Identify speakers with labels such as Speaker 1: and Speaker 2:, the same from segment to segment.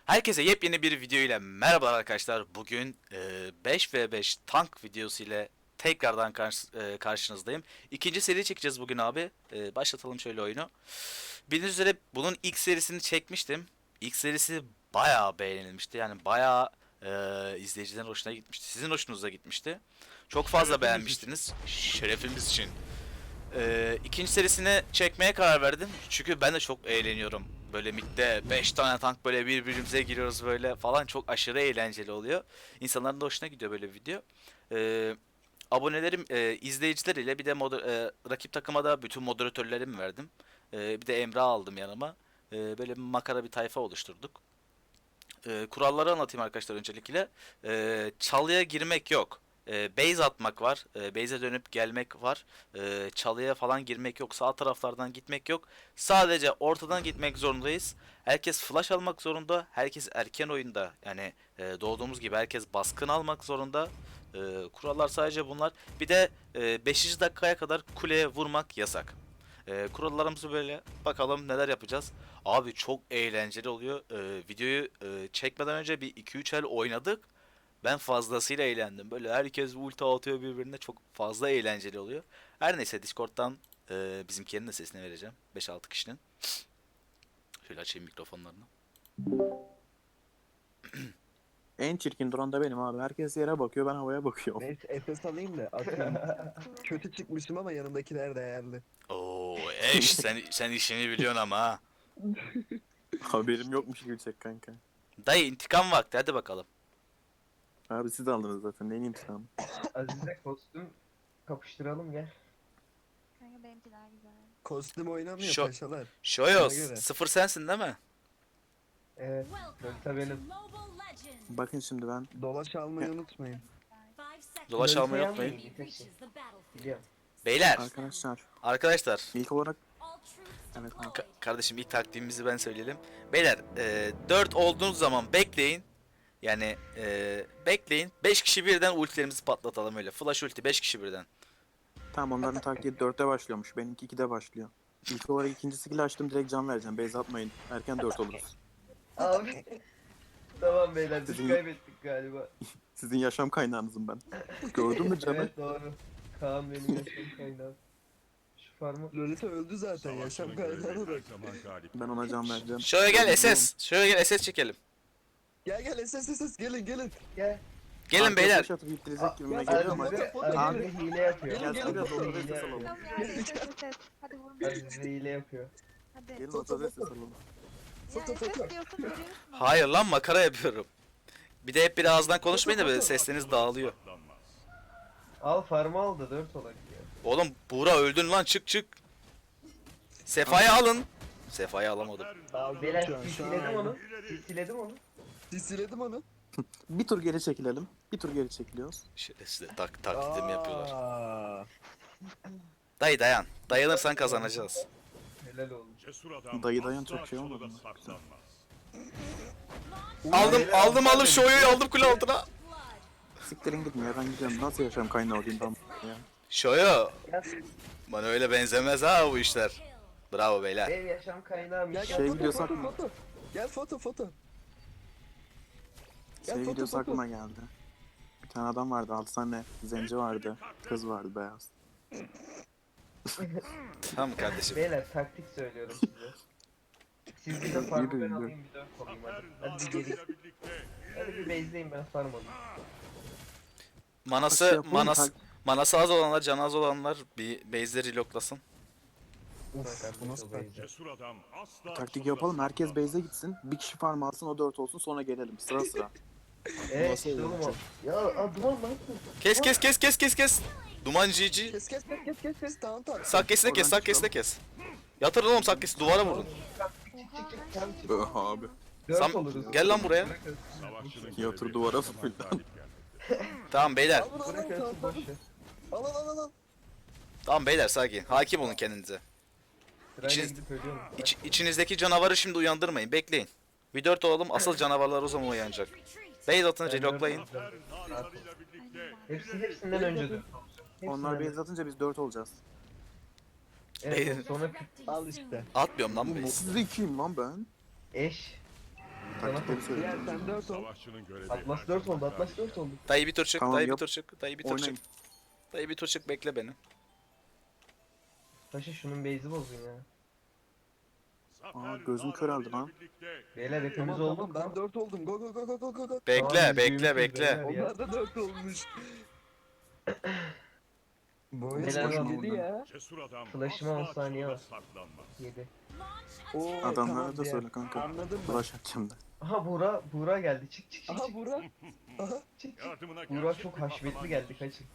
Speaker 1: Herkese yepyeni bir video ile merhabalar arkadaşlar. Bugün 5v5 tank videosu ile tekrardan karşınızdayım. İkinci seri çekeceğiz bugün abi. Başlatalım şöyle oyunu. Bildiğiniz üzere bunun ilk serisini çekmiştim. İlk serisi bayağı beğenilmişti. Yani bayağı izleyicilerin hoşuna gitmişti. Sizin hoşunuza gitmişti. Çok fazla beğenmiştiniz. Şerefimiz için. İkinci serisini çekmeye karar verdim. Çünkü ben de çok eğleniyorum. Böyle midde 5 tane tank böyle birbirimize giriyoruz böyle falan. Çok aşırı eğlenceli oluyor. İnsanların da hoşuna gidiyor böyle bir video. Abonelerim, izleyiciler ile bir de rakip takıma da bütün moderatörlerimi verdim. Bir de Emrah aldım yanıma. Böyle bir makara bir tayfa oluşturduk. Kuralları anlatayım arkadaşlar öncelikle. Çalıya girmek yok. Base atmak var. Base'e dönüp gelmek var. Çalıya falan girmek yok. Sağ taraflardan gitmek yok. Sadece ortadan gitmek zorundayız. Herkes flash almak zorunda. Herkes erken oyunda. Yani doğduğumuz gibi herkes baskın almak zorunda. Kurallar sadece bunlar. Bir de 5. dakikaya kadar kuleye vurmak yasak. Kurallarımızı böyle bakalım neler yapacağız. Abi çok eğlenceli oluyor. Videoyu çekmeden önce bir 2-3 el oynadık. Ben fazlasıyla eğlendim. Böyle herkes ulti atıyor birbirine. Çok fazla eğlenceli oluyor. Her neyse Discord'dan bizimkilerin de sesini vereceğim. 5-6 kişinin. Şöyle açayım mikrofonlarını.
Speaker 2: En çirkin duran da benim abi. Herkes yere bakıyor, ben havaya bakıyorum.
Speaker 3: Neyse Efes alayım da atayım. Kötü çıkmışım ama yanımdakiler değerli.
Speaker 1: Oo eş sen işini biliyorsun ama ha.
Speaker 2: Haberim yokmuş Gülçek kanka.
Speaker 1: Dayı intikam vakti hadi bakalım.
Speaker 2: Abi siz aldınız zaten. Neyin intikamı?
Speaker 4: Aziz'e kostüm kapıştıralım gel.
Speaker 5: Kanka benimki daha güzel.
Speaker 3: Kostüm oynamıyor
Speaker 1: Şu-
Speaker 3: paşalar.
Speaker 1: Şoyos
Speaker 3: Ona göre.
Speaker 1: 0 sensin değil mi?
Speaker 4: Evet. Delta benim.
Speaker 2: Bakın şimdi ben
Speaker 3: Dolaş almayı unutmayın.
Speaker 1: Dolaş
Speaker 4: Delta'yı
Speaker 1: almayı
Speaker 4: almayın,
Speaker 1: unutmayın.
Speaker 4: nefes. Biliyorum.
Speaker 1: Beyler
Speaker 2: arkadaşlar
Speaker 1: ilk
Speaker 2: ilk olarak evet abi.
Speaker 1: kardeşim ilk taktiğimizi ben söyleyelim. Beyler 4 olduğunuz zaman bekleyin. Yani bekleyin. 5 kişi birden ultilerimizi patlatalım öyle. Flash ulti 5 kişi birden.
Speaker 2: Tamam, onların taktiği 4'te başlıyormuş. Benimki 2'de başlıyor. İlk olarak ikinci skill açtım, direkt can vereceğim. Base atmayın. Erken 4 oluruz.
Speaker 4: Abi. Tamam beyler biz
Speaker 2: Sizin-
Speaker 4: kaybettik galiba.
Speaker 2: Sizin yaşam kaynağınızım ben. Gördün mü canım?
Speaker 4: Evet doğru. Kaan benim yaşam kaynağım. Şu farmı.
Speaker 3: Lolita öldü zaten yaşam kaynağını da.
Speaker 2: Ben ona can vereceğim.
Speaker 1: Şöyle gel SS. Şöyle gel SS çekelim.
Speaker 3: Gel SS gelin.
Speaker 4: Gel.
Speaker 1: Gelin
Speaker 2: Arkaya
Speaker 1: beyler.
Speaker 2: flash atıp ittirecek gibime geliyor ama.
Speaker 4: Azize hile yapıyor.
Speaker 2: Gel,
Speaker 4: Azize
Speaker 2: biraz ortada
Speaker 4: hile
Speaker 2: ses
Speaker 4: yapıyor.
Speaker 2: alalım.
Speaker 5: Tamam ya ses. Hadi vurma.
Speaker 4: Azize hile yapıyor.
Speaker 5: Hadi.
Speaker 2: Gelin ortada ses alalım.
Speaker 5: Ya ses diyorsun görüyorsun.
Speaker 1: Hayır lan makara yapıyorum. Bir de hep bir ağızdan konuşmayın da böyle sesleriniz dağılıyor.
Speaker 4: Al farmı al da 4 olak ya.
Speaker 1: Oğlum Buğra öldün lan çık. Sefa'yı alın. Sefa'yı alamadım.
Speaker 4: Beyler
Speaker 3: Şu an
Speaker 4: silsiledim onu. Silsiledim onu.
Speaker 3: Siledim onu.
Speaker 2: Bir tur geri çekilelim. Bir tur geri çekiliyoruz.
Speaker 1: Şerefsiz taklitimi yapıyorlar.
Speaker 3: Aa.
Speaker 1: Dayı dayan. Dayanırsan kazanacağız.
Speaker 4: Helal olsun.
Speaker 2: Dayı dayan çok şey olmadı mı?
Speaker 1: Aldım şu oyu aldım kule altına.
Speaker 2: Siktirin gidin ya, ben gidiyorum. Nasıl yaşam kaynağı olayım ben ya?
Speaker 1: Şoyo.
Speaker 4: Gel.
Speaker 1: Bana öyle benzemez ha bu işler. Bravo beyler.
Speaker 4: Benim yaşam kaynağım.
Speaker 3: Gel
Speaker 4: Gel,
Speaker 2: Şey
Speaker 3: foto
Speaker 2: videosu
Speaker 3: foto
Speaker 2: aklıma-
Speaker 3: foto. Gel foto. Gel
Speaker 2: Şey
Speaker 3: foto,
Speaker 2: videosu
Speaker 3: foto.
Speaker 2: aklıma geldi. Bir tane adam vardı, 6 tane zenci vardı. Kız vardı beyaz.
Speaker 1: Tamam kardeşim.
Speaker 4: Beyler taktik söylüyorum size. Siz bir de farmı ben
Speaker 2: Yürü.
Speaker 4: alayım bir 4 olayım hadi. Hadi bir geri. Hadi bir base'deyim ben farm alayım.
Speaker 1: Manası az olanlar, canı az olanlar bir base'leri reloadlasın.
Speaker 3: Uf, bu nasıl taktik?
Speaker 2: Taktik yapalım, herkes base'e gitsin. Bir kişi farm alsın, o 4 olsun, sonra gelelim sıra sıra.
Speaker 4: Evet
Speaker 3: Nasıl
Speaker 4: işte oğlum o.
Speaker 3: olacak?
Speaker 4: Ya adıma lan.
Speaker 1: Kes. Duman GG.
Speaker 3: Kes tamam.
Speaker 1: Sakkesine kes. Yatırın oğlum sakkesi duvara vurun.
Speaker 2: Abi.
Speaker 4: 4 oluruz.
Speaker 1: Gel lan buraya.
Speaker 2: Yatır duvara fırlan.
Speaker 1: Tamam beyler.
Speaker 4: Bırakın boşu.
Speaker 3: Al.
Speaker 1: Tamam beyler sakin. Hakim olun kendinize.
Speaker 4: Sırayla
Speaker 1: İçiniz-
Speaker 4: gidip ölüyorum.
Speaker 1: İçinizdeki canavarı şimdi uyandırmayın. Bekleyin. Bir 4 olalım. Asıl canavarlar o zaman uyanacak. Base atın
Speaker 4: Ben
Speaker 1: reloadlayın.
Speaker 4: dört olacağım. Rahat ol. Hepsinden önce 4
Speaker 2: Onlar base atınca biz 4 olacağız.
Speaker 4: Evet sonra
Speaker 3: Al işte.
Speaker 1: Atmıyorum lan
Speaker 2: Bu
Speaker 1: base.
Speaker 2: nasıl zekiyim lan ben?
Speaker 4: eş.
Speaker 2: Taktikleri
Speaker 3: Diğer
Speaker 2: söylüyorum.
Speaker 3: sen 4 ol.
Speaker 6: Savaşçının görevi
Speaker 4: Atlas 4 oldu, Atlas 4 oldu.
Speaker 1: Dayı bir tur çık,
Speaker 2: Tamam,
Speaker 1: dayı bir
Speaker 2: yap.
Speaker 1: tur çık, dayı bir tur çık.
Speaker 2: Oynayın.
Speaker 1: Dayı bir tur çık, bekle beni.
Speaker 4: Paşa şunun base'i bozun ya.
Speaker 2: Aa, gözüm köreldi lan.
Speaker 4: Beyler hepimiz
Speaker 3: Tamam
Speaker 4: olduk.
Speaker 3: ben 4 oldum. Go go go go go go go.
Speaker 1: Bekle,
Speaker 4: Tamam,
Speaker 1: bekle,
Speaker 4: biz
Speaker 1: bekle.
Speaker 4: büyümüşüz beyler ya.
Speaker 3: Onlar da 4 olmuş. Bu oyun
Speaker 4: Neler
Speaker 3: hoşuma
Speaker 2: oldu?
Speaker 3: gitti ya.
Speaker 6: Cesur adam
Speaker 4: Flash'ıma 10
Speaker 6: asla
Speaker 4: saniye
Speaker 6: çöle
Speaker 4: var.
Speaker 6: saklanmaz.
Speaker 4: 7.
Speaker 3: Oo,
Speaker 2: Adamlara da
Speaker 3: diğer.
Speaker 2: söyle kanka.
Speaker 3: Anladım ben.
Speaker 2: Flash atacağım da.
Speaker 4: Aha Buğra geldi. Çık çık çık.
Speaker 3: Aha
Speaker 4: çık.
Speaker 3: Burak. Aha.
Speaker 4: Çık çık.
Speaker 6: Yardımına
Speaker 4: Buğra
Speaker 6: gerçek
Speaker 4: çok
Speaker 6: bir
Speaker 4: haşmetli
Speaker 6: kahraman
Speaker 4: geldi,
Speaker 6: yetişti.
Speaker 4: kaçın.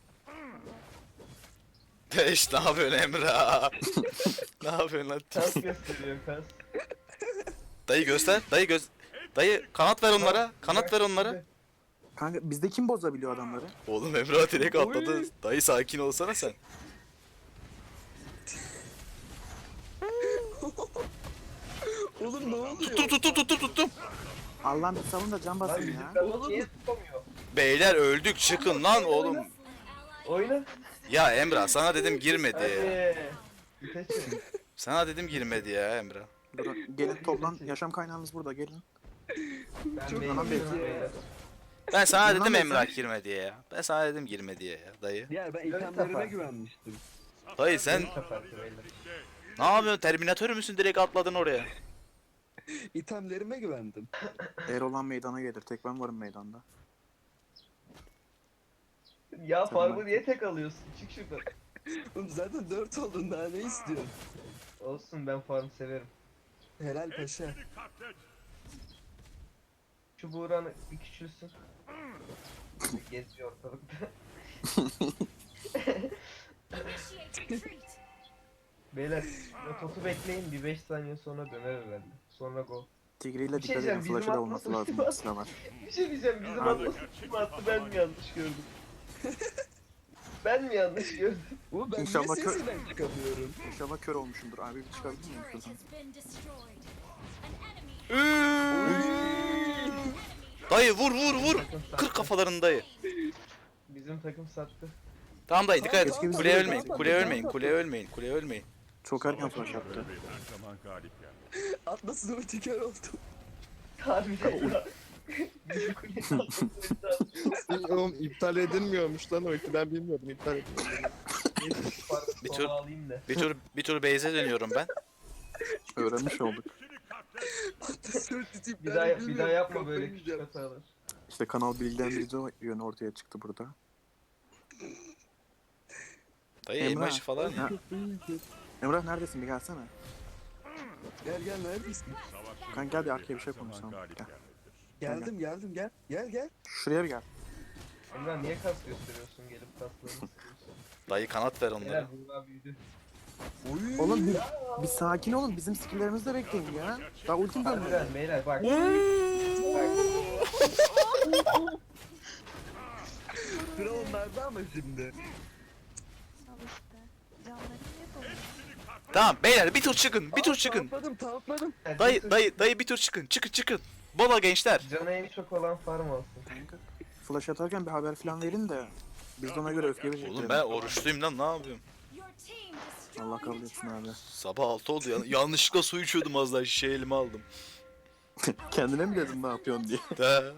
Speaker 1: Beş, ne yapıyorsun Emrah? Ne yapıyorsun lan?
Speaker 4: Kas gösteriyor, kas.
Speaker 1: Dayı göster, dayı kanat ver onlara, kanat ver onlara.
Speaker 2: Kanka bizde kim bozabiliyor adamları?
Speaker 1: Oğlum Emrah direkt atladı. Dayı sakin olsana sen.
Speaker 3: Oğlum ne oluyor?
Speaker 1: Tuttum.
Speaker 2: Allah'ım bir savun da can
Speaker 4: Lan
Speaker 2: basın
Speaker 4: bizim
Speaker 2: ya.
Speaker 4: kadın niye tutamıyor?
Speaker 1: Beyler öldük, çıkın lan oğlum.
Speaker 4: Oyna.
Speaker 1: Ya Emrah sana dedim girme diye.
Speaker 4: Hadi. İteçim.
Speaker 1: Sana dedim girme diye ya Emrah.
Speaker 2: Durun, gelin toplan. Yaşam kaynağınız burada gelin.
Speaker 4: Ben
Speaker 3: Çok
Speaker 4: base'i
Speaker 2: iyi
Speaker 4: biliyorum
Speaker 3: ya.
Speaker 4: beyler.
Speaker 1: Ben sana
Speaker 2: Bundan
Speaker 1: dedim
Speaker 2: da
Speaker 1: Emrah girme diye ya. Ben sana dedim girme diye ya dayı.
Speaker 3: Ya ben
Speaker 4: Öyle
Speaker 3: itemlerime
Speaker 4: kafa.
Speaker 3: güvenmiştim.
Speaker 1: Dayı sen
Speaker 4: Kapattı beyler.
Speaker 1: ne yapıyorsun? Terminatör müsün? Direkt atladın oraya.
Speaker 3: İtemlerime güvendim.
Speaker 2: Erol'an meydana gelir. Tek ben varım meydanda.
Speaker 4: Ya
Speaker 2: Tamam.
Speaker 4: farmı niye tek alıyorsun? Çık şuradan.
Speaker 3: Oğlum zaten 4 oldun daha ne istiyorsun?
Speaker 4: Olsun, ben farm severim.
Speaker 3: Helal paşa.
Speaker 4: Şu Buğra'nı bir küçülsün. Geziyor ortalıkta. Beyler rototu bekleyin, bir 5 saniye sonra döner herhalde. Sonra go.
Speaker 2: Tigri ile
Speaker 4: Bir şey
Speaker 2: dikkat edin.
Speaker 4: diyeceğim, bizim
Speaker 2: Flash'ı da olması
Speaker 4: atlasın.
Speaker 2: lazım. Sıra var.
Speaker 4: Bir şey diyeceğim, bizim
Speaker 2: Abi.
Speaker 4: Atlas kim attı, ben mi yanlış gördüm? Ben mi yanlış gördüm?
Speaker 3: Oğlum ben
Speaker 2: İnşallah
Speaker 3: niye
Speaker 2: kö-
Speaker 3: sesinden çıkamıyorum?
Speaker 2: İnşallah kör olmuşumdur. Abi bir çıkabilir miyim şuradan?
Speaker 1: Dayı vur. Kır kafalarını dayı.
Speaker 4: Bizim takım sattı.
Speaker 1: Tamam dayı dikkat
Speaker 2: Keşke
Speaker 1: et.
Speaker 2: biz
Speaker 1: Kuleye
Speaker 2: de-
Speaker 1: ölmeyin. Kuleye ölmeyin.
Speaker 2: Çok erken flash attı.
Speaker 6: Görevi her zaman galip gelir.
Speaker 3: Atlas'ın ulti kör oldu.
Speaker 4: Harbiden ya. Bizim kuleyi Atlas'ın
Speaker 7: Oğlum iptal edilmiyormuş lan o iti ben bilmiyordum iptal edilmiyor.
Speaker 1: Bir
Speaker 4: Bir
Speaker 1: tur-
Speaker 4: alayım da.
Speaker 1: Bir tur base'e dönüyorum ben.
Speaker 2: Öğrenmiş olduk.
Speaker 3: Atlas'ın ulti
Speaker 4: Bir daha yapma böyle küçük hatalar.
Speaker 2: İşte kanal bilgilendirici yönü ortaya çıktı burada.
Speaker 1: Dayı
Speaker 2: Emrah.
Speaker 1: emoji falan ya.
Speaker 2: Ha. Emrah neredesin bir gelsene.
Speaker 3: Gel gel neredesin?
Speaker 6: Savaşçının
Speaker 2: Kanka gel bir
Speaker 6: görevi
Speaker 2: arkaya bir şey
Speaker 6: her zaman
Speaker 2: konuşalım.
Speaker 6: galip
Speaker 2: Gel.
Speaker 6: gelmektir.
Speaker 3: Geldim gel. Gel.
Speaker 2: Şuraya bir gel.
Speaker 4: Emrah niye kas gösteriyorsun, gelip kaslarını sıkıyorsun?
Speaker 1: Dayı kanat ver onlara.
Speaker 4: Beyler Buğra büyüdü.
Speaker 3: Oy.
Speaker 2: Oğlum bir sakin olun. Bizim skilllerimizi de bekleyin ya. Daha ultim dönmedi.
Speaker 4: Harbiden beyler bak.
Speaker 3: Sıra onlarda ama şimdi.
Speaker 5: Al işte. Canları niye doluyor?
Speaker 1: Tamam beyler bir tur çıkın.
Speaker 3: Tamamladım.
Speaker 1: Dayı bir tur çıkın. Çıkın. Bola gençler.
Speaker 4: Canı en çok olan farm olsun.
Speaker 2: Kanka, flash atarken bir haber falan verin de biz de ona göre öfke verecekler.
Speaker 1: Oğlum ben oruçluyum lan ne yapıyorum?
Speaker 2: Allah kabul etsin abi.
Speaker 1: Sabah 6 oldu ya. Yanlışlıkla su içiyordum az daha şişeyi elime aldım.
Speaker 2: Kendine mi dedin ne yapıyorsun diye.
Speaker 1: De.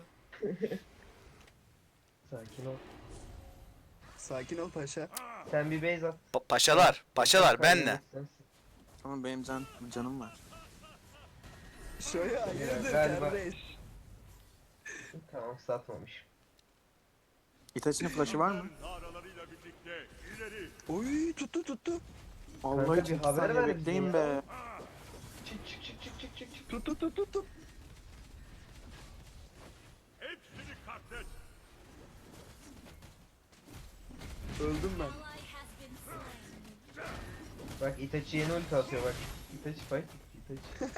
Speaker 4: Sakin ol.
Speaker 3: Sakin ol paşa.
Speaker 4: Sen bir base at.
Speaker 1: Paşalar benle.
Speaker 4: Sensin.
Speaker 2: Tamam benim canım var.
Speaker 3: Şöyle hayırdır
Speaker 4: Galiba.
Speaker 3: kardeş.
Speaker 4: Tamam, satmamış.
Speaker 2: Itachi'nin flash'ı var mı?
Speaker 6: Naralarıyla birlikte ileri.
Speaker 3: Oy tuttu.
Speaker 2: Allah
Speaker 4: Kanka,
Speaker 2: için
Speaker 4: bir
Speaker 2: 2
Speaker 4: haber
Speaker 2: saniye
Speaker 4: ver bize
Speaker 2: bekleyin
Speaker 4: ya.
Speaker 2: be.
Speaker 4: Çık.
Speaker 3: Tuttu.
Speaker 6: Hepsini katlet.
Speaker 3: Öldüm ben.
Speaker 4: Bak Itachi yeni ulti atıyor bak. Itachi fight. Itachi.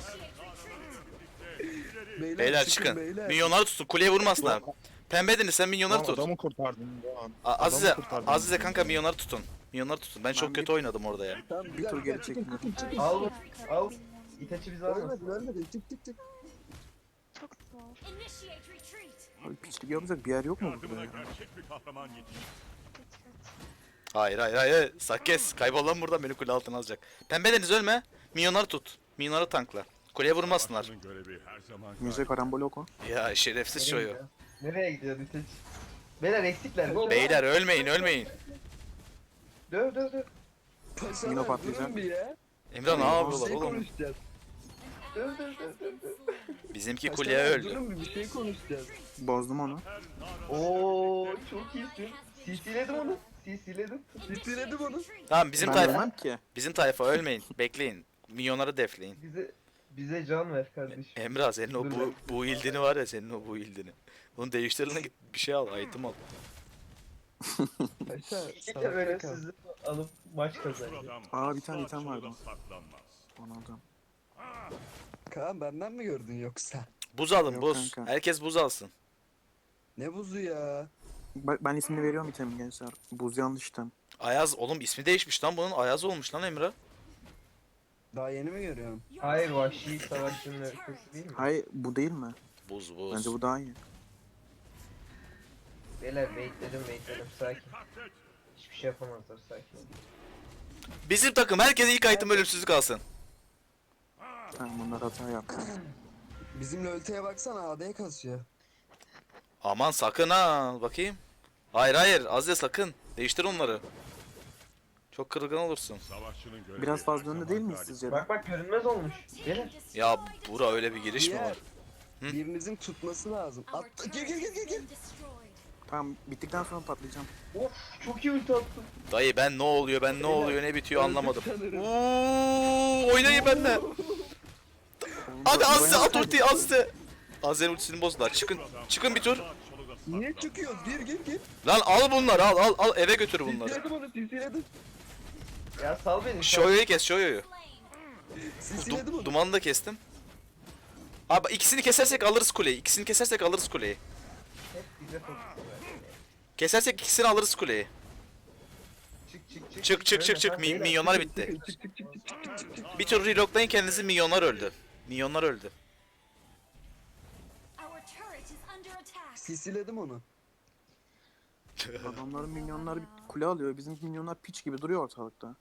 Speaker 1: Beyler çıkın. Minyonları tutun. Kuleye vurmasınlar. Pembe Deniz sen minyonları
Speaker 7: Lan
Speaker 1: tut.
Speaker 7: adamı kurtardın bu an.
Speaker 1: Azize,
Speaker 7: Adamı kurtardın.
Speaker 1: Azize kanka minyonları tutun. Ben çok
Speaker 2: Ben
Speaker 1: kötü oynadım orada ya.
Speaker 3: Tamam
Speaker 2: Bir tur geri çektim.
Speaker 4: Al bu.
Speaker 5: Kanka,
Speaker 4: Al.
Speaker 5: bilmiyorum.
Speaker 4: Itachi bizi almasın.
Speaker 3: Ölmedi. Çık.
Speaker 5: Çok zor.
Speaker 2: Abi piçlik yapacak bir yer yok mu burada
Speaker 6: Yardımına
Speaker 2: ya?
Speaker 6: gerçek bir kahraman yetişti.
Speaker 5: Geç.
Speaker 1: Hayır. Sakkes. Kaybol lan buradan beni kule altına alacak. Pembe Deniz ölme. Minyonları tut. Minyonları tankla. Kuleye vurmasınlar.
Speaker 6: Savaşçının görevi her zaman
Speaker 2: Müze karambol oku.
Speaker 1: Ya şerefsiz
Speaker 4: Nereye
Speaker 1: çocuğu.
Speaker 4: gidiyor? Nereye gidiyor Diteç? Beyler eksikler. Gol.
Speaker 1: Beyler ölmeyin ölmeyin.
Speaker 4: Döv döv döv.
Speaker 3: Paşalar
Speaker 2: Yine patlayacak.
Speaker 3: durun bir ya.
Speaker 1: Emre ne
Speaker 3: Bir
Speaker 1: yapıyorlar
Speaker 3: şey
Speaker 1: oğlum?
Speaker 3: konuşacağız.
Speaker 4: Döv döv döv döv.
Speaker 1: Bizimki
Speaker 3: Paşalar,
Speaker 1: kuleye öldü.
Speaker 3: Durun bir şey konuşacağız.
Speaker 2: Bozdum onu.
Speaker 4: Oo çok iyisin. CC'ledim onu. CC'ledim.
Speaker 3: Bitirelim onu.
Speaker 1: Tamam bizim
Speaker 2: Ben
Speaker 1: tayfa.
Speaker 2: bilmem ki.
Speaker 1: Bizim tayfa ölmeyin. Bekleyin. Milyonları defleyin.
Speaker 4: Bize can ver kardeşim.
Speaker 1: Emrah senin o
Speaker 4: Dur
Speaker 1: bu ildini var ya senin o bu ildini. Bunu değiştireline git bir şey al, item al.
Speaker 3: Paşa
Speaker 4: İki de
Speaker 3: salakta
Speaker 4: böyle
Speaker 3: kal.
Speaker 4: sizi alıp maç kazanıyor.
Speaker 6: Adam
Speaker 2: Aa, bir tane item vardı.
Speaker 6: saklanmaz.
Speaker 2: Onu aldım.
Speaker 3: Kaan benden mi gördün yoksa?
Speaker 1: Buz alın
Speaker 2: Yok
Speaker 1: buz.
Speaker 2: kanka.
Speaker 1: Herkes buz alsın.
Speaker 3: Ne buzu ya?
Speaker 2: Ben ismini veriyorum itemin gençler. Buz yanlış item.
Speaker 1: Ayaz oğlum ismi değişmiş lan bunun. Ayaz olmuş lan Emrah.
Speaker 3: Daha yeni mi görüyorum?
Speaker 4: Hayır vahşi savaşçının öyküsü değil mi?
Speaker 2: Hayır bu değil mi?
Speaker 1: Buz buz.
Speaker 2: Bence bu daha iyi.
Speaker 4: Beyler baitledim sakin. Hiçbir şey yapamazlar sakin ol.
Speaker 1: Bizim takım herkes ilk item ölümsüzlük alsın.
Speaker 2: Tamam bunlar hata yaptı.
Speaker 3: Bizimle ölteye baksana AD kasıyor.
Speaker 1: Aman sakın ha bakayım. Hayır hayır Azze sakın. Değiştir onları. Çok kırılgan olursun.
Speaker 6: Savaşçının görevi
Speaker 2: Biraz
Speaker 6: her
Speaker 2: fazla
Speaker 6: zaman
Speaker 2: önde değil miyiz
Speaker 6: galip.
Speaker 2: sizce?
Speaker 4: Bak bak görünmez olmuş. Beyler.
Speaker 1: Ya bura öyle bir giriş mi
Speaker 3: Diğer,
Speaker 1: var? Hı?
Speaker 3: birinizin tutması lazım. At, gir.
Speaker 2: Tamam bittikten sonra patlayacağım.
Speaker 4: Of çok iyi ulti attım.
Speaker 1: Dayı ben ne oluyor ben ne oluyor ne bitiyor anlamadım.
Speaker 3: sanırım.
Speaker 1: Uuu oynayın benimle. Hadi Azze at ultiyi Azze. Azze'nin ultisini bozdular. Çıkın. Çıkın bir tur.
Speaker 3: Niye çıkıyoruz? Gir.
Speaker 1: Lan al bunları al eve götür bunları.
Speaker 3: Sisiledim onu sisiledim.
Speaker 4: Ya sal beni. sal.
Speaker 1: Shoyo'yu kes Shoyo'yu.
Speaker 3: Sisiledim onu.
Speaker 1: Dumanı da kestim. Abi ikisini kesersek alırız kuleyi. İkisini kesersek alırız kuleyi.
Speaker 4: Hep bize fokusluyor.
Speaker 1: Kesersek ikisini alırız kuleyi. Çık. Milyonlar bitti. Bir tur reloadlayın kendinizi milyonlar öldü. Milyonlar öldü.
Speaker 3: Sisiledim onu.
Speaker 2: Adamların minyonları bir kule alıyor. Bizim minyonlar piç gibi duruyor ortalıkta.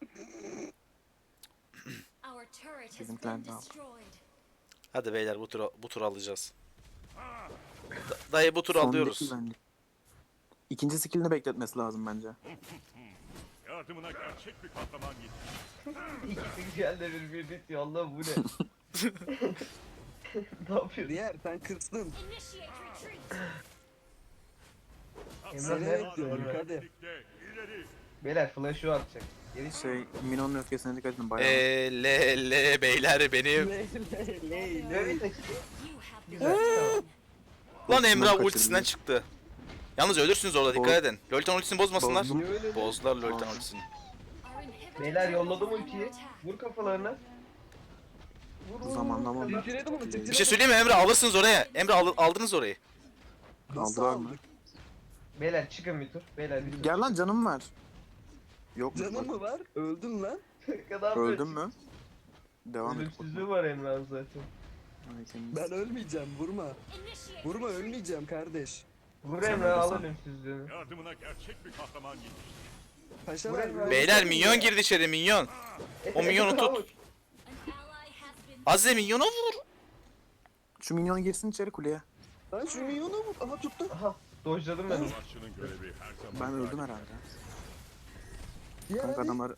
Speaker 5: Bizimkiler de aldı.
Speaker 1: Hadi beyler bu tur alacağız. Dayı bu tur
Speaker 2: Son
Speaker 1: alıyoruz.
Speaker 2: değil bence. İkinci skillini bekletmesi lazım bence.
Speaker 6: Yardımına gerçek bir kahraman yetişti.
Speaker 4: İkisi geldi bir bitiyor. Allah bu ne? Ne yapıyorsun?
Speaker 3: Diğer sen kırsın.
Speaker 4: Emrah
Speaker 3: Seni
Speaker 4: ne?
Speaker 3: bekliyorum hadi.
Speaker 6: Birlikte ileri.
Speaker 4: Beyler flash'ı atacak. Geri
Speaker 2: Şey Minon'un öfkesine dikkat edin bayağı.
Speaker 1: Beyler benim.
Speaker 4: Ne bir Güzel tamam.
Speaker 1: Lan Emrah
Speaker 2: kaçırdı.
Speaker 1: ultisinden çıktı. Yalnız ölürsünüz orada dikkat edin. Lolita ultisini bozmasınlar.
Speaker 2: Bozdum.
Speaker 3: Niye öyle?
Speaker 1: Bozdular Lolita ultisini.
Speaker 4: Beyler yolladım ultiyi. Vur kafalarına. Vur.
Speaker 2: Zamanlama oldu.
Speaker 3: Sisiledim onu
Speaker 1: Bir şey söyleyeyim mi Emre alırsınız oraya. Emre aldınız orayı.
Speaker 3: Nasıl
Speaker 2: Aldılar mı?
Speaker 3: aldık?
Speaker 4: Beyler çıkın bir tur. Beyler bir tur.
Speaker 2: Gel lan canım var. Yok mu?
Speaker 3: Canın mı var? Öldün lan.
Speaker 4: Kadar
Speaker 2: Öldün mü? Devam et.
Speaker 4: Ölümsüzlüğü var Emrah'ın zaten.
Speaker 2: Ay, senin-
Speaker 3: Ben ölmeyeceğim vurma. Vurma ölmeyeceğim kardeş.
Speaker 4: Vur
Speaker 2: Sen
Speaker 4: Emrah al
Speaker 2: öldürsen.
Speaker 6: Yardımına
Speaker 4: ölümsüzlüğünü.
Speaker 6: gerçek bir kahraman yetişti.
Speaker 3: Paşalar
Speaker 4: Buraya-
Speaker 1: Beyler minyon girdi içeri minyon. O minyonu tut. Azze minyona vur.
Speaker 2: Şu minyon girsin içeri kuleye.
Speaker 3: Lan şu milyonu vur. Aha tuttu.
Speaker 4: Aha dojladım ben onu.
Speaker 6: Savaşçının görevi her zaman
Speaker 2: Ben
Speaker 6: galip.
Speaker 2: öldüm herhalde.
Speaker 3: Diğer
Speaker 2: Kanka
Speaker 3: hadi.
Speaker 2: adamlar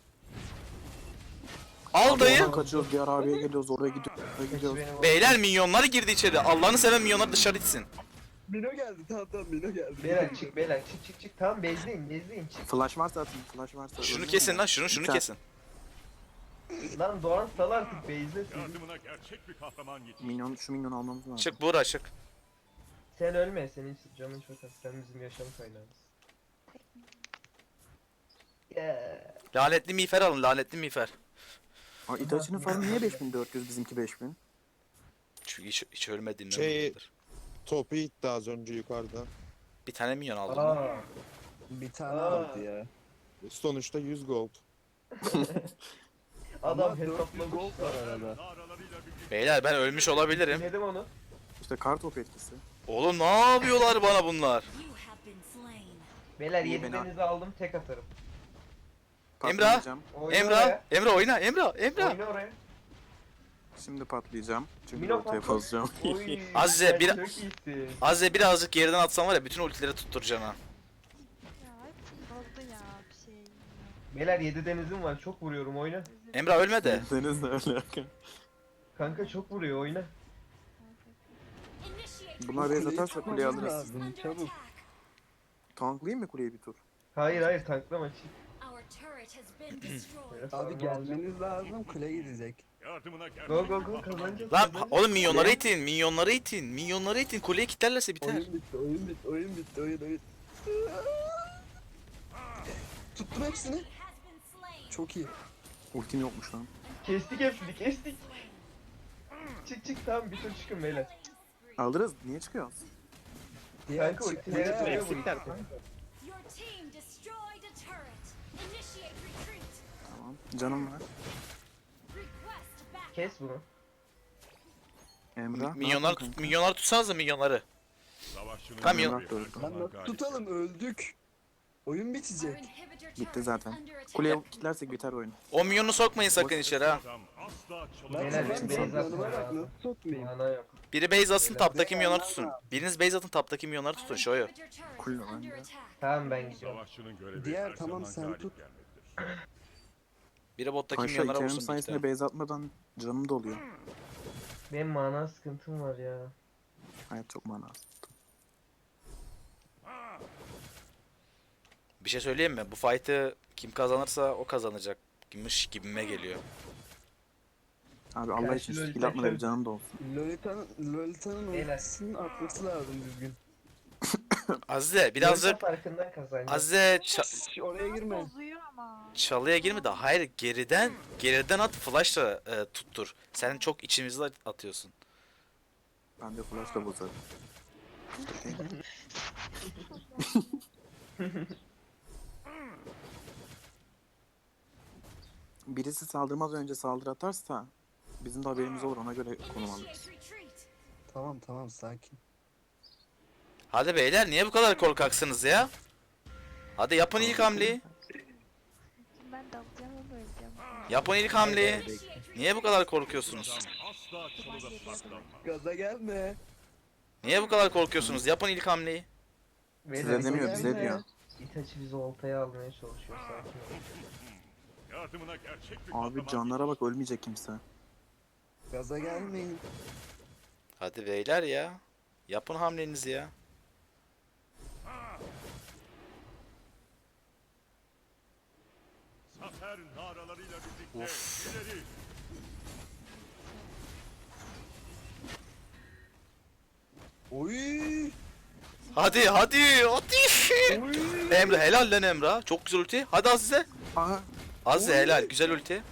Speaker 1: Al dayı.
Speaker 2: oradan kaçıyoruz diğer abiye geliyoruz oraya gidiyoruz. Oraya gidiyoruz.
Speaker 4: Benim o-
Speaker 1: Beyler minyonlar girdi içeri. Allah'ını seven minyonlar dışarı itsin.
Speaker 3: Mino geldi tamam Mino geldi.
Speaker 4: Beyler çık beyler çık. Tamam bezleyin çık.
Speaker 2: Flash varsa atın flash varsa.
Speaker 1: Şunu
Speaker 2: Öldüm
Speaker 1: kesin
Speaker 2: ya.
Speaker 1: lan şunu
Speaker 2: Biter.
Speaker 1: kesin.
Speaker 4: Lan Doğan sal artık bezle.
Speaker 6: Yardımına gerçek bir kahraman yetişti.
Speaker 2: Şu minyonu almamız lazım.
Speaker 1: Çık Buğra çık.
Speaker 4: Sen ölme senin canın çok az. Sen bizim yaşam kaynağımız. Yeah.
Speaker 1: Lanetli miğfer alın lanetli miğfer.
Speaker 2: Aa, Itachi'nin falan niye 5400 bizimki 5000?
Speaker 1: Çünkü hiç ölmediğimden
Speaker 7: Şey-
Speaker 1: dolayıdır.
Speaker 7: Topu itti az önce yukarıda.
Speaker 1: Bir tane minyon aldım.
Speaker 4: Aa.
Speaker 3: Bir tane
Speaker 4: Aa.
Speaker 3: aldı ya.
Speaker 7: Sonuçta 100 gold.
Speaker 4: Adam
Speaker 3: Ama 400
Speaker 4: hesaplamış.
Speaker 3: gold var arada.
Speaker 6: Naralarıyla birlikte
Speaker 1: Beyler ben ölmüş olabilirim.
Speaker 4: Dinledim onu.
Speaker 2: İşte kar topu etkisi.
Speaker 1: Oğlum ne yapıyorlar bana bunlar?
Speaker 4: Beyler
Speaker 2: İyi,
Speaker 4: 7
Speaker 2: beni
Speaker 4: denize aldım tek atarım.
Speaker 1: Emrah.
Speaker 2: Patlayacağım.
Speaker 4: Oyna
Speaker 1: Emrah,
Speaker 4: oraya.
Speaker 1: Emrah oyna, Emrah.
Speaker 4: Oyna oraya.
Speaker 2: Şimdi patlayacağım. Çünkü
Speaker 4: Mino
Speaker 2: ortaya
Speaker 4: patlat.
Speaker 2: bozacağım.
Speaker 4: Oy,
Speaker 1: Azze,
Speaker 4: sen
Speaker 1: bir-
Speaker 4: çok iyisin.
Speaker 1: Azze birazcık geriden atsan var ya bütün ultileri tutturacaksın ha.
Speaker 5: Ya hepsini bozdu ya bir şey.
Speaker 4: Beyler 7 denizim var, çok vuruyorum, oyna.
Speaker 1: Emrah ölme de.
Speaker 2: Deniz de öyle.
Speaker 4: Kanka çok vuruyor, oyna.
Speaker 2: Bunlar base atarsa kuleyi
Speaker 3: Çıkmamız
Speaker 2: alırız.
Speaker 3: lazım, çabuk.
Speaker 2: Tanklayayım mı kuleyi bir tur?
Speaker 4: Hayır tanklama çık.
Speaker 3: Abi gelmeniz lazım, kule gidecek.
Speaker 6: Yardımına gerçek
Speaker 4: Go
Speaker 6: bir
Speaker 4: go go
Speaker 6: kahraman
Speaker 4: kazanacağız.
Speaker 1: Lan
Speaker 4: kazanacağız.
Speaker 1: oğlum minyonları itin, minyonları itin, minyonları itin. Kuleyi kilitlerlerse biter.
Speaker 3: Oyun bitti, oyun bitti, oyun bitti, oyun. Tuttum hepsini. Çok iyi.
Speaker 2: Ultim yokmuş lan.
Speaker 4: Kestik hepsini, kestik. Çık tamam, bir tur çıkın beyler.
Speaker 2: Alırız. Niye çıkıyoruz?
Speaker 3: Diğer
Speaker 4: Kanka
Speaker 3: çık-
Speaker 4: ultileri
Speaker 3: diğer-
Speaker 4: buraya vur.
Speaker 2: Tamam. Canım var.
Speaker 4: Kes bunu.
Speaker 2: Emrah.
Speaker 1: Minyonlar tut, minyonlar tutsanız da minyonları.
Speaker 6: Savaşçının
Speaker 1: Tamam,
Speaker 6: görevi
Speaker 2: Emrah
Speaker 6: her
Speaker 2: da öldü.
Speaker 6: zaman
Speaker 3: Lan nasıl
Speaker 6: galip
Speaker 3: tutalım, öldük. Oyun bitecek.
Speaker 2: Bitti zaten. Kuleye kilitlersek biter oyun.
Speaker 1: O minyonu sokmayın sakın içeri ha.
Speaker 6: adam asla
Speaker 3: Lan
Speaker 6: çalınmaz.
Speaker 4: Beyler,
Speaker 3: ben
Speaker 4: benim base
Speaker 3: yanıma bak,
Speaker 4: atmam
Speaker 3: nasıl sokmayayım?
Speaker 4: Mana yok.
Speaker 1: Biri base atsın taptaki minyonları tutsun. Biriniz base atın taptaki minyonları tutun şoyu.
Speaker 2: Kule bende.
Speaker 4: Tamam ben gidiyorum.
Speaker 6: Savaşçının görevi
Speaker 3: Diğer,
Speaker 6: her
Speaker 3: tamam,
Speaker 6: zaman
Speaker 3: sen
Speaker 6: galip
Speaker 3: tut.
Speaker 6: gelmektir.
Speaker 1: Biri bottaki
Speaker 2: Paşa
Speaker 1: minyonlara
Speaker 2: itemin
Speaker 1: vursun bir
Speaker 2: sayesinde
Speaker 1: tane.
Speaker 2: base atmadan canım doluyor.
Speaker 4: Benim mana sıkıntım var ya.
Speaker 2: Hayat çok mana.
Speaker 1: Bir şey söyleyeyim mi? Bu fight'ı kim kazanırsa o kazanacak. Gibmiş gibime geliyor.
Speaker 2: Abi Allah için
Speaker 4: Karşı
Speaker 2: skill atma da bir
Speaker 4: Lolita-
Speaker 2: canım da olsun.
Speaker 3: Lolita'nın
Speaker 4: Beyler.
Speaker 3: ultisinin atması lazım düzgün.
Speaker 1: Azze birazcık
Speaker 4: Yoksa farkından kazanacağız.
Speaker 1: Azze
Speaker 3: Şş, oraya girme.
Speaker 5: Bozuyor ama.
Speaker 1: çalıya girme de hayır geriden at flashla tuttur. Sen çok içimizde atıyorsun.
Speaker 2: Ben de flash'la bozarım. Birisi saldırmaz önce saldırı atarsa bizim de haberimiz olur, ona göre konum alırız.
Speaker 3: Tamam sakin.
Speaker 1: Hadi beyler niye bu kadar korkaksınız ya? Hadi yapın ilk hamleyi.
Speaker 5: Şimdi ben dalacağım ama öleceğim.
Speaker 1: Yapın ilk hamleyi. Niye bu kadar korkuyorsunuz?
Speaker 6: Adam asla çalıda saklanmaz.
Speaker 3: Gaza gelme.
Speaker 1: Niye bu kadar korkuyorsunuz? Yapın ilk hamleyi.
Speaker 4: Beyler,
Speaker 2: Size demiyor, bize
Speaker 3: gelme.
Speaker 2: diyor.
Speaker 4: İtaçi bizi oltaya almaya çalışıyor, sakin ol.
Speaker 6: Yardımına gerçek bir
Speaker 2: Abi
Speaker 6: kahraman
Speaker 2: canlara bak, ölmeyecek kimse.
Speaker 3: Gaza gelmeyin.
Speaker 1: Hadi beyler ya. Yapın hamlenizi ya.
Speaker 6: zafer naralarıyla birlikte ileri.
Speaker 3: Oy.
Speaker 1: Hadi. Emre helal lan Emre. Çok güzel ulti. Hadi Azize.
Speaker 2: Aha.
Speaker 1: Azize helal. Güzel ulti.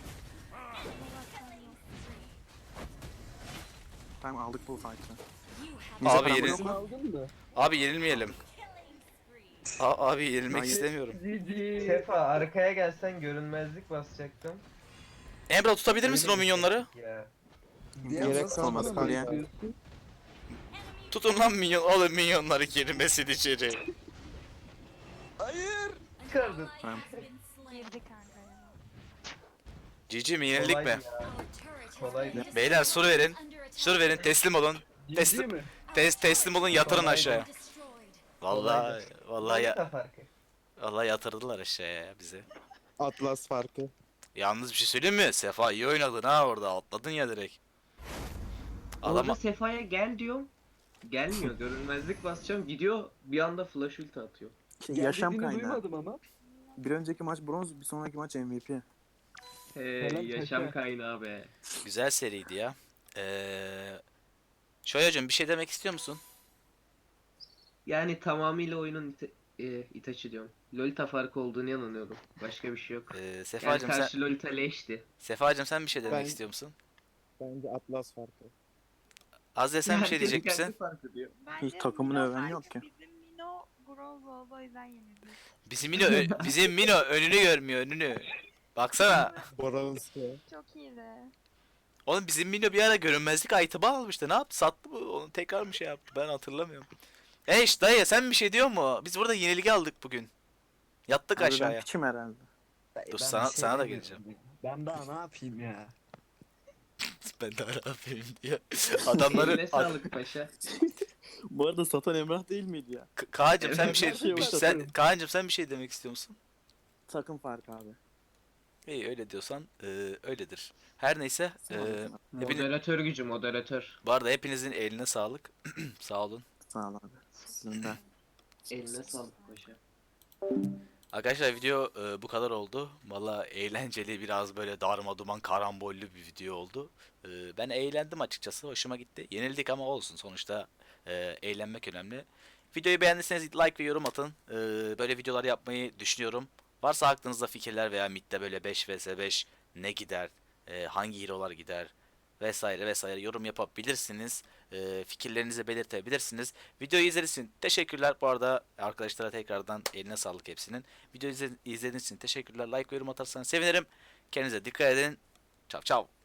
Speaker 2: Tamam, aldık bu fight'ı.
Speaker 1: Abi
Speaker 2: Neyse,
Speaker 1: yeri-
Speaker 2: yok
Speaker 3: Sen
Speaker 2: mu?
Speaker 3: aldın mı?
Speaker 1: Abi yenilmeyelim. Abi yenilmek
Speaker 2: Hayır.
Speaker 1: istemiyorum.
Speaker 4: Sefa arkaya gelsen görünmezlik basacaktım.
Speaker 1: Emre tutabilir misin o minyonları?
Speaker 4: Ya.
Speaker 3: Diğer
Speaker 2: Gerek
Speaker 3: nasıl
Speaker 2: kalmaz
Speaker 3: aldın mı?
Speaker 2: kuleye.
Speaker 3: Diyorsun.
Speaker 1: Tutun lan minyon. Oğlum minyonları girmesin içeri.
Speaker 3: Hayır.
Speaker 4: Çıkardın.
Speaker 5: Girdi kanka ya.
Speaker 1: Cici mi yenildik
Speaker 4: Kolay
Speaker 1: mi?
Speaker 4: ya. Kolay.
Speaker 1: Beyler sur verin. Sur verin teslim olun.
Speaker 3: Ciddi
Speaker 1: Teslim,
Speaker 3: mi?
Speaker 1: teslim olun yatırın
Speaker 4: Kolay
Speaker 1: aşağıya. Vallahi vallahi
Speaker 4: Lolita farkı.
Speaker 1: vallahi yatırdılar aşağıya ya bizi.
Speaker 7: Atlas farkı.
Speaker 1: Yalnız bir şey söyleyeyim mi? Sefa iyi oynadın ha orada. Atladın ya direkt.
Speaker 8: Orada
Speaker 1: Adama
Speaker 8: Sefa'ya gel diyorum. Gelmiyor. Görünmezlik basacağım. Gidiyor bir anda flash ulti atıyor.
Speaker 2: Yaşam
Speaker 3: Geldiğini
Speaker 2: kaynağı.
Speaker 3: duymadım ama.
Speaker 2: Bir önceki maç bronz, bir sonraki maç MVP.
Speaker 8: Hey, yaşam
Speaker 3: Seka.
Speaker 8: kaynağı be.
Speaker 1: güzel seriydi ya. Şoyacığım bir şey demek istiyor musun?
Speaker 8: Yani tamamıyla oyunun Itachi diyorum. Lolita farkı olduğunu inanıyorum. Başka bir şey yok. Yani
Speaker 1: Sefacığım sen
Speaker 8: karşı Lolita leşti.
Speaker 1: Sefacığım sen bir şey demek
Speaker 7: Ben-
Speaker 1: istiyor musun?
Speaker 7: Bence Atlas farkı.
Speaker 1: Azze sen bir şey
Speaker 8: Herkes
Speaker 1: diyecek
Speaker 8: kendi
Speaker 1: misin?
Speaker 8: farkı diyor.
Speaker 5: Bence
Speaker 2: takımını
Speaker 5: Mino
Speaker 2: öven yok
Speaker 5: farkı,
Speaker 2: ki.
Speaker 5: Bizim Mino bronz oldu, o yüzden yenildi.
Speaker 1: Bizim Mino önünü görmüyor önünü. Baksana.
Speaker 7: Bronzlu.
Speaker 5: Çok iyiydi.
Speaker 1: Oğlum bizim Mino bir ara görünmezlik item'ı almıştı. Ne yaptı? Sattı mı? Onu tekrar mı şey yaptı? Ben hatırlamıyorum. Eş dayı sen bir şey diyor mu? Biz burada yenilgi aldık bugün. Yattık
Speaker 2: Abi ben
Speaker 1: aşağıya.
Speaker 2: piçim herhalde.
Speaker 1: Dur
Speaker 3: Ben
Speaker 1: sana
Speaker 3: bir şey
Speaker 1: sana da
Speaker 3: demiyorum.
Speaker 1: geleceğim.
Speaker 3: Ben daha ne yapayım ya?
Speaker 1: Ben de Arap'ıyım diyor. Adamları...
Speaker 8: Eline sağlık paşa.
Speaker 2: Bu arada satan Emrah değil miydi ya?
Speaker 1: Kaan'cım sen bir şey...
Speaker 2: Şey
Speaker 1: sen,
Speaker 2: satarım.
Speaker 1: Kaan'cım sen bir şey demek istiyor musun?
Speaker 2: Takım farkı abi.
Speaker 1: İyi öyle diyorsan öyledir. Her neyse. Hepiniz,
Speaker 8: Moderatör gücü moderatör.
Speaker 1: bu arada hepinizin eline sağlık. Sağ olun.
Speaker 2: Sağ ol abi. Sizin de.
Speaker 8: Eline sağlık paşa.
Speaker 1: Arkadaşlar video bu kadar oldu. Valla eğlenceli, biraz böyle darma duman karambollü bir video oldu. Ben eğlendim açıkçası. Hoşuma gitti. Yenildik ama olsun. Sonuçta eğlenmek önemli. Videoyu beğendiyseniz like ve yorum atın. Böyle videolar yapmayı düşünüyorum. Varsa aklınızda fikirler veya midde böyle 5 vs 5 ne gider, hangi hero'lar gider vesaire vesaire yorum yapabilirsiniz. Fikirlerinizi belirtebilirsiniz. Videoyu izlediğiniz için teşekkürler. Bu arada arkadaşlara tekrardan eline sağlık hepsinin. Videoyu izlediğiniz için teşekkürler. Like ve yorum atarsanız sevinirim. Kendinize dikkat edin. Çav çav.